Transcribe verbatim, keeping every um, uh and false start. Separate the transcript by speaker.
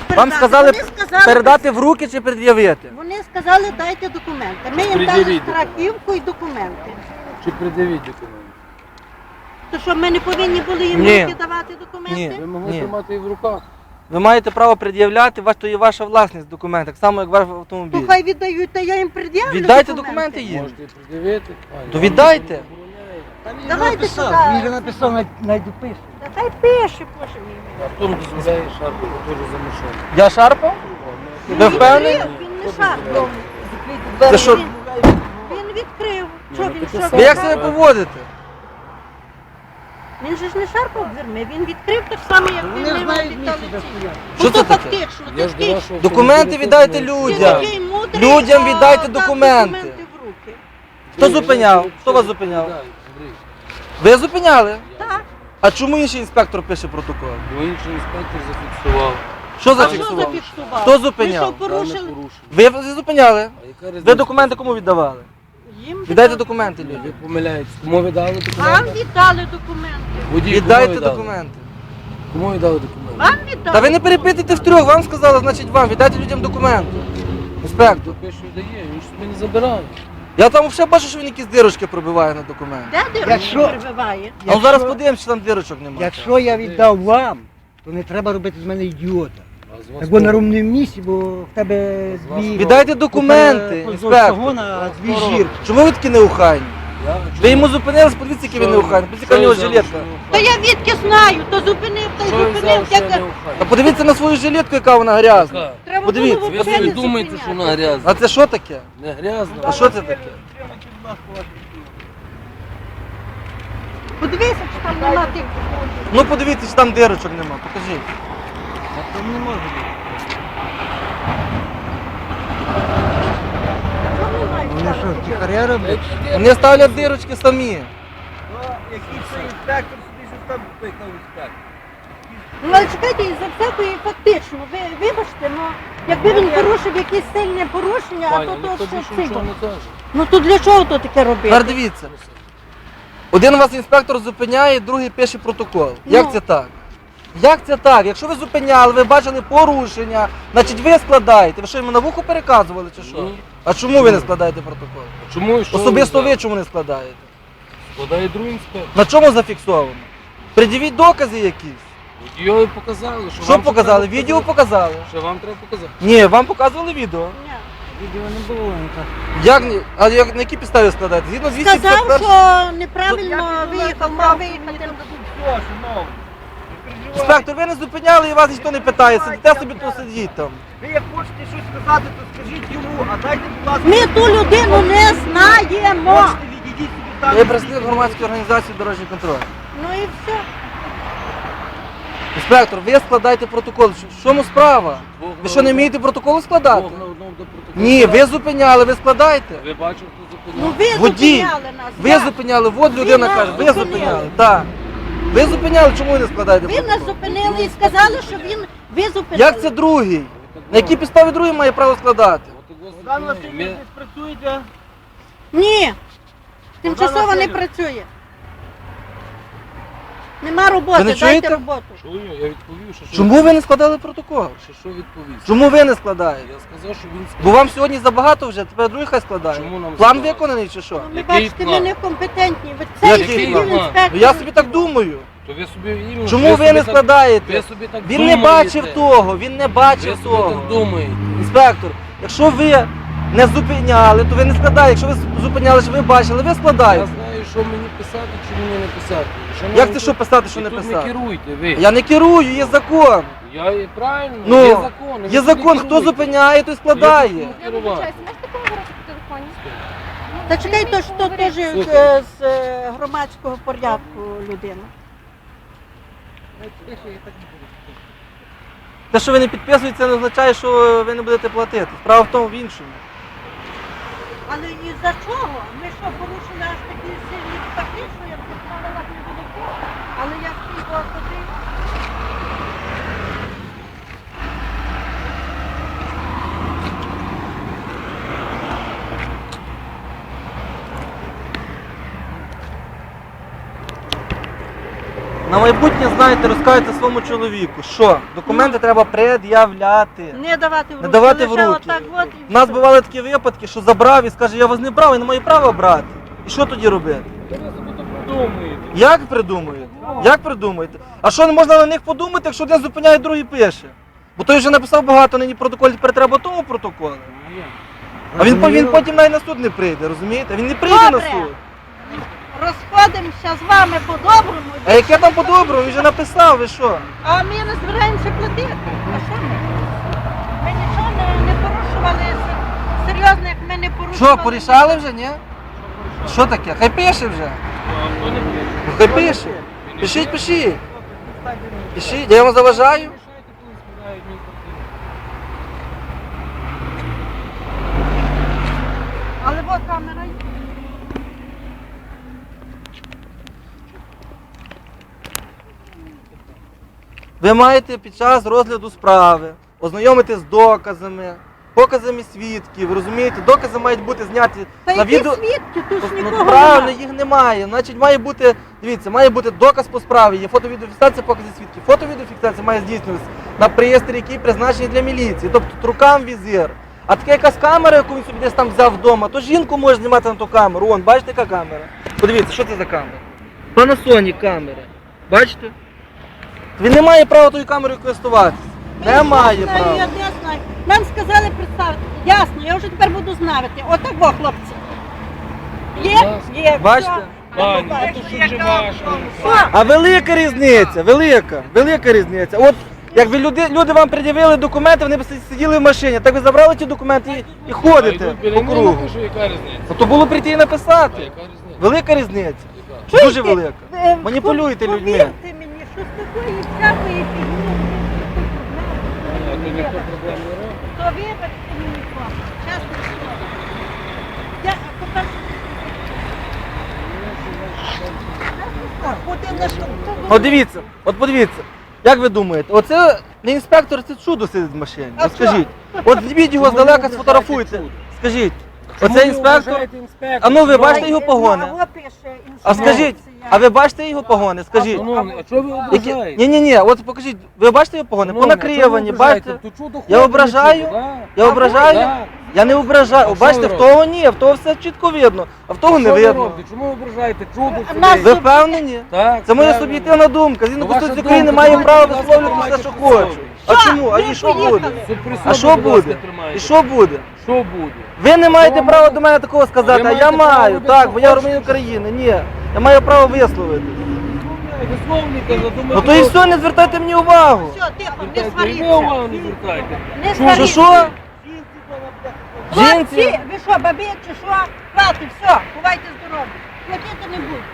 Speaker 1: передати.
Speaker 2: Вам сказали,
Speaker 1: Вони сказали
Speaker 2: передати в руки чи пред'явити?
Speaker 1: Вони сказали, дайте документи. Ми їм дали
Speaker 3: Пред'явіть
Speaker 1: страхівку і документи.
Speaker 3: Чи придивіть документи?
Speaker 1: То що, ми не повинні були їм
Speaker 2: Ні.
Speaker 1: руки давати документи?
Speaker 2: Ні.
Speaker 3: Ви могли
Speaker 2: Ні.
Speaker 3: тримати їх в руках.
Speaker 2: Ви маєте право пред'являти, ваш- то є ваша власність документ, так само, як ваш автомобіль.
Speaker 1: То хай віддають, та я їм пред'явлю
Speaker 2: Віддайте документи їм.
Speaker 3: Можете пред'явити.
Speaker 2: То віддайте.
Speaker 1: Давайте сюди.
Speaker 4: Він же написав, навіть навіть допише.
Speaker 1: Та хай пише, боже мій.
Speaker 3: А хто не дозволяє шарпу, теж за машину.
Speaker 2: Я шарпав? Ви впевнені?
Speaker 1: Він не шарпав.
Speaker 2: Це що?
Speaker 1: Він відкрив. Що він, що
Speaker 2: Ви
Speaker 1: він
Speaker 2: як себе поводите?
Speaker 1: Він же ж не шарпав дверми, він відкрив так само, як він
Speaker 4: Вони
Speaker 1: не
Speaker 4: ж знають
Speaker 1: робить
Speaker 4: місце, де
Speaker 1: там.
Speaker 4: стоять.
Speaker 2: Що
Speaker 1: Ну
Speaker 2: це
Speaker 1: то
Speaker 2: таке?
Speaker 1: фактично,
Speaker 3: Я
Speaker 1: то
Speaker 3: ж
Speaker 1: ти
Speaker 3: до вашого
Speaker 2: Документи
Speaker 3: автомобіля
Speaker 2: віддайте
Speaker 3: тут не-
Speaker 2: людям.
Speaker 1: такий мудрий,
Speaker 2: Людям
Speaker 1: що
Speaker 2: віддайте
Speaker 1: дав
Speaker 2: документи.
Speaker 1: в руки.
Speaker 2: Хто зупиняв? Хто вас зупиняв?
Speaker 3: Андрій,
Speaker 2: Ви зупиняли?
Speaker 1: Так.
Speaker 2: А чому інший інспектор пише протокол?
Speaker 3: бо інший інспектор зафіксував.
Speaker 2: Що
Speaker 1: А що
Speaker 2: зафіксував?
Speaker 1: зафіксував?
Speaker 2: Хто зупиняв?
Speaker 1: Ви що,
Speaker 3: Дане
Speaker 1: порушили?
Speaker 3: порушення.
Speaker 2: Ви зупиняли?
Speaker 3: А яка різниця?
Speaker 2: Ви документи кому віддавали?
Speaker 1: Їм
Speaker 2: Віддайте
Speaker 1: віддали.
Speaker 2: документи
Speaker 3: Ви
Speaker 2: людям.
Speaker 3: помиляєтесь. Кому ви дали
Speaker 1: Вам
Speaker 3: документи?
Speaker 1: віддали документи.
Speaker 3: Водій,
Speaker 2: Віддайте
Speaker 3: кому ви дали?
Speaker 2: документи.
Speaker 3: Кому ви дали документи?
Speaker 1: Вам віддали.
Speaker 2: Та ви не перепитуйте втрьох, вам сказали, значить вам. Віддайте людям документи. Інспектор.
Speaker 3: Хто пише, дає, він ж собі не забирає.
Speaker 2: Я там взагалі бачу, що він якісь дирочки пробиває на документи.
Speaker 1: Де дирочку
Speaker 4: Якщо-
Speaker 1: прибиває?
Speaker 2: А ну зараз подивимося, чи там дирочок немає.
Speaker 4: Якщо я віддав вам, то не треба робити з мене ідіота.
Speaker 3: А з вас
Speaker 4: Так бо на
Speaker 3: хто?
Speaker 4: рівному місці, бо в тебе
Speaker 3: З вас
Speaker 4: дві...
Speaker 2: Віддайте документи,
Speaker 4: Поперед-
Speaker 2: інспектор.
Speaker 4: вагона, дві
Speaker 3: Хто
Speaker 4: жірки.
Speaker 2: Чому ви такі неухайні?
Speaker 3: Я?
Speaker 2: Ви йому зупинились, подивіться, який він неухайний. Подивіться, яка в нього жилетка.
Speaker 1: Та я відки знаю, то зупинив, то
Speaker 3: Що ви
Speaker 1: зупинив.
Speaker 3: взяли, що я
Speaker 1: Як...
Speaker 3: не
Speaker 2: А
Speaker 3: ухаю?
Speaker 2: подивіться на свою жилетку, яка вона грязна.
Speaker 3: Яка?
Speaker 1: Треба
Speaker 2: Подивіться,
Speaker 1: було
Speaker 3: Ви
Speaker 1: взагалі
Speaker 3: собі
Speaker 1: не
Speaker 3: думаєте, що
Speaker 1: зупиняти.
Speaker 3: вона грязна.
Speaker 2: А це що таке?
Speaker 3: Не грязна.
Speaker 2: А що це таке?
Speaker 1: Подивися, чи там нема тих.
Speaker 2: Ну подивіться, чи там дирочок нема, покажіть.
Speaker 4: Там не може бути.
Speaker 1: Чому немає
Speaker 4: Вони
Speaker 1: там?
Speaker 4: що, тихаря роблять?
Speaker 2: Вони ставлять дирочки самі.
Speaker 1: Ну, але чекайте, і за всякої фактично, ви вибачте, ну, якби він порушив якесь сильне порушення, а
Speaker 3: Пані,
Speaker 1: то
Speaker 3: ніхто
Speaker 1: то ще
Speaker 3: більше
Speaker 1: цей.
Speaker 3: нічого не каже.
Speaker 1: Ну то для чого то таке робити?
Speaker 2: Тепер дивіться. Один вас інспектор зупиняє, другий пише протокол. Як
Speaker 1: Ну.
Speaker 2: це так? Як це так? Якщо ви зупиняли, ви бачили порушення, значить ви складаєте. Ви що, йому на вухо переказували чи що?
Speaker 3: Ні.
Speaker 2: А чому ви не складаєте протокол?
Speaker 3: Чому і що
Speaker 2: Особисто ви
Speaker 3: взяли?
Speaker 2: чому не складаєте?
Speaker 3: Складає другий інспектор.
Speaker 2: На чому зафіксовано? Пред'явіть докази якісь.
Speaker 3: Його показали. Що,
Speaker 2: Що
Speaker 3: вам
Speaker 2: показали?
Speaker 3: треба
Speaker 2: Відео
Speaker 3: показати.
Speaker 2: показали.
Speaker 3: Що вам треба показати?
Speaker 2: Ні, вам показували відео.
Speaker 1: Ні.
Speaker 4: Відео не було ніяк.
Speaker 2: Як ні? А як на якій підставі складаєте? Згідно двісті
Speaker 1: Сказав,
Speaker 2: п'ятдесят першої
Speaker 1: що неправильно виїхав, мав виїхати.
Speaker 2: Інспектор, ви не зупиняли і вас ніхто не питає. Сидите собі тут сидіть там.
Speaker 5: Ви як хочете щось сказати, то скажіть йому, а дайте, будь ласка,
Speaker 1: Ми ту людину не знаємо.
Speaker 5: хочете, відійдіть собі там.
Speaker 2: Я представник громадської організації «Дорожній контроль».
Speaker 1: Ну і все.
Speaker 2: Інспектор, ви складайте протокол. В чому справа? Ви що, не вмієте протокол складати?
Speaker 3: Двох на одному до протоколу.
Speaker 2: Ні, ви зупиняли, ви складаєте.
Speaker 3: Ви бачите, хто
Speaker 1: Ну
Speaker 3: зупиняв?
Speaker 1: ви
Speaker 2: Водій,
Speaker 1: зупиняли нас.
Speaker 2: ви
Speaker 1: я.
Speaker 2: зупиняли, от людина
Speaker 1: нас
Speaker 2: каже, ви
Speaker 1: зупинили.
Speaker 2: зупиняли. Так. Ви зупиняли, чому ви не складаєте
Speaker 1: Ви нас
Speaker 2: протокол?
Speaker 1: зупинили і сказали, що він ви зупинили.
Speaker 2: Як це другий? На якій підставі другий має право складати?
Speaker 3: От його
Speaker 5: Богдан
Speaker 3: зупинили.
Speaker 5: Васильович,
Speaker 3: Ми-
Speaker 5: десь працюєте?
Speaker 1: Ні. Тимчасово не
Speaker 5: Васильович.
Speaker 1: працює. Нема роботи,
Speaker 2: Ви не
Speaker 1: дайте
Speaker 2: чуєте?
Speaker 1: роботу.
Speaker 3: Чую, я відповів, що що.
Speaker 2: Чому ви не складали протокол?
Speaker 3: Що, що відповів?
Speaker 2: Чому ви не складаєте?
Speaker 3: Я сказав, що він
Speaker 2: Бо вам сьогодні забагато вже, тепер другий хай складає.
Speaker 3: Чому нам
Speaker 2: План
Speaker 3: забагато?
Speaker 2: виконаний чи що?
Speaker 1: Ну, ви
Speaker 3: Який
Speaker 1: бачите,
Speaker 3: план?
Speaker 1: ми некомпетентні. Ви це
Speaker 2: Який
Speaker 1: сидів
Speaker 3: план?
Speaker 1: інспектор.
Speaker 2: Ну, я собі так думаю.
Speaker 3: То ви собі іменно.
Speaker 2: Чому
Speaker 3: ви
Speaker 2: ви
Speaker 3: собі
Speaker 2: не
Speaker 3: так-
Speaker 2: складаєте?
Speaker 3: Ви собі так
Speaker 2: Він не
Speaker 3: думаєте.
Speaker 2: бачив того, він не
Speaker 3: Ви
Speaker 2: бачив
Speaker 3: собі
Speaker 2: того.
Speaker 3: так думаєте.
Speaker 2: Інспектор, якщо ви не зупиняли, то ви не складаєте. Якщо ви зупиняли, що ви бачили, ви
Speaker 3: Я
Speaker 2: складаєте.
Speaker 3: знаю, що мені писати, чи мені не писати. Шановні,
Speaker 2: Як це що писати, що
Speaker 3: і
Speaker 2: не
Speaker 3: тут
Speaker 2: писати?
Speaker 3: не керуйте ви.
Speaker 2: Я не керую, є закон.
Speaker 3: Я і правильно,
Speaker 2: Ну,
Speaker 3: є закон. і ви
Speaker 2: Є
Speaker 3: тут
Speaker 2: закон,
Speaker 3: не
Speaker 2: хто
Speaker 3: керуйте.
Speaker 2: зупиняє, той
Speaker 3: Я
Speaker 2: складає.
Speaker 3: тут не
Speaker 6: Я
Speaker 3: керувати.
Speaker 6: вибачаюся, можете поговорити по телефоні?
Speaker 1: Та чекай, то що теж
Speaker 3: Слухай.
Speaker 1: е, з е, громадського порядку людина.
Speaker 2: Те, що ви не підписуєте, це не означає, що ви не будете платити. Справа в тому в іншому.
Speaker 1: Але і за чого? Ми що, порушили аж такі сильні статті, що я б сказала, вас не буде пити? Але як ти його туди?
Speaker 2: На майбутнє, знаєте, розкажете своєму чоловіку, що документи треба пред'являти.
Speaker 1: Не давати в руки.
Speaker 2: Не давати в
Speaker 1: лише
Speaker 2: руки.
Speaker 1: отак от і
Speaker 2: У нас
Speaker 1: все.
Speaker 2: бували такі випадки, що забрав і скаже, я вас не брав, я не маю права брати. І що тоді робити?
Speaker 3: Ви собі то придумуєте.
Speaker 2: Як придумаєте? Як придумаєте? А що не можна на них подумати, якщо один зупиняє, другий пише? Бо той вже написав багато нині протоколів, тепер треба тому протоколу. А він, по- він потім навіть на суд не прийде, розумієте? Він не прийде на
Speaker 1: Добре.
Speaker 2: суд.
Speaker 1: Розходимося з вами по-доброму.
Speaker 2: А яке там по-доброму? Він вже написав, ви що?
Speaker 1: А ми не збираємося платити. А що ми? Ми нічого не, не порушували. Серйозно, як ми не порушували.
Speaker 2: Що, порішали вже, ні? Що таке? Хай пише вже. Ну, хай пише. Пишіть, пишіть. Пишіть, я вам заважаю.
Speaker 1: Але от камера є.
Speaker 2: Ви маєте під час розгляду справи ознайомитись з доказами, показами свідків, ви розумієте? Докази мають бути зняті
Speaker 1: Та
Speaker 2: на
Speaker 1: які
Speaker 2: відео.
Speaker 1: свідки? Тут ж
Speaker 2: Ну,
Speaker 1: нікого
Speaker 2: правильно,
Speaker 1: немає.
Speaker 2: їх немає. Значить, має бути, дивіться, має бути доказ по справі, є фото-відеофіксація, покази свідків. Фото-відеофіксація має здійснюватися на пристрій, який призначений для міліції, тобто рукам візир. А така якась камера, яку він собі десь там взяв вдома, то жінку може знімати на ту камеру. Вон, бачите, яка камера? Подивіться, що це за камера? Panasonic камера. Бачите? Він не має права тою камерою користуватися.
Speaker 1: Я
Speaker 2: Не має
Speaker 1: знаю, Я
Speaker 2: права.
Speaker 1: не знаю. Нам сказали представити. Ясно, я вже тепер буду знати. Отак, во, хлопці. Є? Є.
Speaker 2: Бачите?
Speaker 1: все.
Speaker 3: Пані,
Speaker 1: Ну,
Speaker 3: а то що вже важко.
Speaker 1: Що?
Speaker 2: А велика різниця, велика, велика різниця. От якби люди, люди вам пред'явили документи, вони б сиділи в машині, так ви забрали ті документи і, і ходите по кругу.
Speaker 3: Яка різниця?
Speaker 2: Ну, то було прийти і написати.
Speaker 3: Яка різниця?
Speaker 2: Велика різниця.
Speaker 1: Чуєте?
Speaker 2: Дуже велика.
Speaker 1: Е,
Speaker 2: Маніпулюєте
Speaker 1: пов-
Speaker 2: людьми.
Speaker 1: Повірте мені, що з такої всякої фігні.
Speaker 3: А то ніхто проблем не робить.
Speaker 1: То вибачте мені, хлопці, чесно слово. Я, по-перше, Один на що?
Speaker 2: От дивіться, от подивіться, як ви думаєте, оце не інспектор, це чудо сидить в машині.
Speaker 1: А
Speaker 2: От скажіть.
Speaker 1: що?
Speaker 2: От візьміть його
Speaker 3: Чому ви
Speaker 2: здалека,
Speaker 3: вважаєте
Speaker 2: сфотографуйте.
Speaker 3: чудо?
Speaker 2: Скажіть,
Speaker 3: Чому
Speaker 2: оце
Speaker 3: ви
Speaker 2: інспектор.
Speaker 3: вважаєте інспектор?
Speaker 2: А ну ви
Speaker 3: Чому?
Speaker 2: бачите його погони?
Speaker 1: Ну, а пише
Speaker 2: А скажіть,
Speaker 1: інструкція.
Speaker 2: а ви бачите його погони? Скажіть.
Speaker 3: Шановний, а чого ви
Speaker 2: Які...
Speaker 3: ображаєте?
Speaker 2: Ні, ні, ні, от покажіть, ви бачите його погони?
Speaker 3: Шановний, а чого ви
Speaker 2: Понакривані,
Speaker 3: ображаєте?
Speaker 2: бачите?
Speaker 3: То чудо
Speaker 2: Я
Speaker 3: ходить,
Speaker 2: ображаю?
Speaker 3: чудо, да?
Speaker 2: Я ображаю?
Speaker 3: Да.
Speaker 2: Я не ображаю.
Speaker 3: А
Speaker 2: О,
Speaker 3: що
Speaker 2: бачите,
Speaker 3: ви
Speaker 2: в того ні, в того все чітко видно, а в того не
Speaker 3: Що ви
Speaker 2: видно.
Speaker 3: робите? Чому ви ображаєте? Чудо
Speaker 1: Нас
Speaker 3: сидить.
Speaker 2: Ви впевнені?
Speaker 3: Так,
Speaker 2: Це моя
Speaker 3: правильно.
Speaker 2: суб'єктивна думка. Згідно
Speaker 3: Ну, ваша
Speaker 2: Конституції
Speaker 3: думка,
Speaker 2: України має
Speaker 3: давайте,
Speaker 2: право
Speaker 3: будь ласка,
Speaker 2: висловлювати все, що
Speaker 3: тримайте
Speaker 2: хочу.
Speaker 3: при
Speaker 2: А
Speaker 1: Що?
Speaker 2: чому? А
Speaker 1: Ви
Speaker 2: і що
Speaker 1: поїхали.
Speaker 2: буде?
Speaker 3: Суд при
Speaker 2: А
Speaker 3: собі,
Speaker 2: що
Speaker 3: будь ласка,
Speaker 2: буде?
Speaker 3: тримайте.
Speaker 2: І що буде?
Speaker 3: Що буде?
Speaker 2: Ви не маєте
Speaker 3: вам
Speaker 2: права
Speaker 3: можна?
Speaker 2: до мене такого сказати,
Speaker 3: Ви
Speaker 2: а я
Speaker 3: маєте право
Speaker 2: маю.
Speaker 3: робити,
Speaker 2: Так,
Speaker 3: що
Speaker 2: бо я
Speaker 3: хочете.
Speaker 2: громадянин України. Ні. Я маю право висловити.
Speaker 3: Висловлюйте, задумайте.
Speaker 2: Ну то і все, не звертайте мені увагу.
Speaker 1: Все, тихо, не
Speaker 3: Ви
Speaker 1: сваріться.
Speaker 3: увагу не звертайте.
Speaker 1: Не
Speaker 2: Що,
Speaker 1: сваріться.
Speaker 2: що?
Speaker 1: Хлопці,
Speaker 2: Жінці?
Speaker 1: ви що, бабі чи що? Хватить, все, бувайте здорові. Платити не буду.